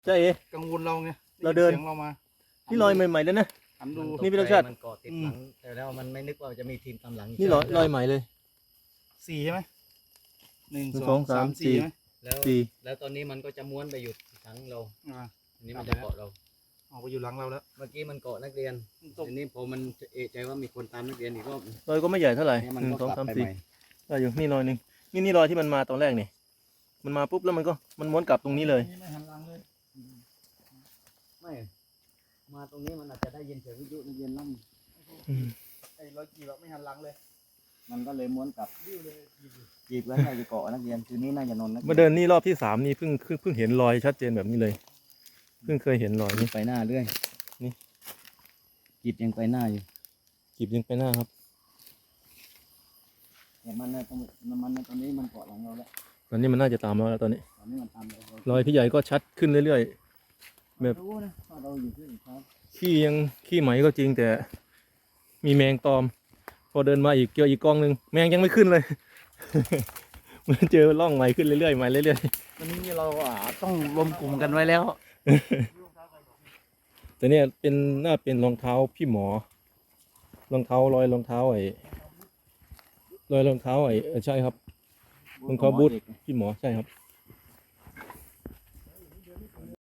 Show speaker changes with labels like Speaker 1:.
Speaker 1: ใช่เอ
Speaker 2: กังวลเราไง
Speaker 1: เราเดิน
Speaker 2: สียงเรามา
Speaker 1: นี่รอยใหม่ๆแล้วนะ
Speaker 2: หันดู
Speaker 1: นี่พี่รสชาติ
Speaker 3: มันเกาะติดหลังแต่แล้วมันไม่นึกว่าจะมีทีมตามหลัง
Speaker 1: นี่รอยใหม่เลย
Speaker 2: สี่ใช่ไหมหนึ่ง
Speaker 1: หนึ่ง
Speaker 2: สอง
Speaker 1: สองสาม
Speaker 2: สาม
Speaker 1: สี่
Speaker 2: สี่ไหม
Speaker 3: แล้ว
Speaker 1: สี่
Speaker 3: แล้วตอนนี้มันก็จะม้วนไปหยุดหลังเรา อันนี้มัน
Speaker 2: ค
Speaker 3: จะ
Speaker 2: รับ
Speaker 3: เกาะเรา
Speaker 2: ออกไปอยู่หลังเราแล้ว
Speaker 3: เมื่อกี้มันเกาะนักเรียน
Speaker 2: ตก
Speaker 3: อันนี้พอมันเอะใจว่ามีคนตามนักเรียนอีกรอบ
Speaker 1: รอยก็ไม่ใหญ่เท่าไหร่
Speaker 3: เนี่ยมัน
Speaker 1: หนึ่ง
Speaker 3: ก็
Speaker 1: สอง
Speaker 3: กลับ
Speaker 1: สาม
Speaker 3: ไป
Speaker 1: สี่
Speaker 3: ใหม่
Speaker 1: ได้อยู่นี่รอยหนึ่งนี่รอยที่มันมาตอนแรกนี่มันมาปุ๊บแล้วมันม้วนกลับตรงนี้เลย
Speaker 2: นี่ไม่หันหลังเลย
Speaker 3: ไม่มาตรงนี้มันอาจจะได้ยินเสียงวิทยุนักเรียนลั่น
Speaker 2: ไอ้รอยกี่แบบไม่หันหลังเลย
Speaker 3: มันก็เลยม้วนกลับจีบไว้น่าจะเกาะนักเรียนคืนนี้น่าจะนอนนัก
Speaker 1: มาเดินนี่รอบที่สามนี่เพิ่งเห็นรอยชัดเจนแบบนี้เลยเพิ่งเคยเห็นรอยนี่
Speaker 3: ไปหน้าเรื่อย
Speaker 1: นี่
Speaker 3: จีบยังไปหน้าอยู่
Speaker 1: กีบยังไปหน้าครับ
Speaker 3: แต่มันนะตอนนี้มันเกาะหลังเราแล้ว
Speaker 1: ตอนนี้มันน่าจะตามเราแล้วตอนนี้
Speaker 3: ตอนนี้มันตามเรา
Speaker 1: รอยพี่ใหญ่ก็ชัดขึ้นเรื่อยๆแบบ
Speaker 3: รู้นะว่าเราอยู่ที่ครับ
Speaker 1: ขี้ไหมก็จริงแต่มีแมงตอม พอเดินมาอีกเจออีกกองหนึ่งแมงยังไม่ขึ้นเลย มันเจอร่องใหม่ขึ้นเรื่อยๆใหม่เรื่อย
Speaker 2: วันนี้เราต้องรวมกลุ่มกันไว้แล้ว
Speaker 1: ๆแต่เนี่ยน่าเป็นรองเท้าพี่หมอรองเท้ารอยรองเท้ารอยรองเท้าใช่ครับรองเท้าบูทพี่หมอใช่ครับ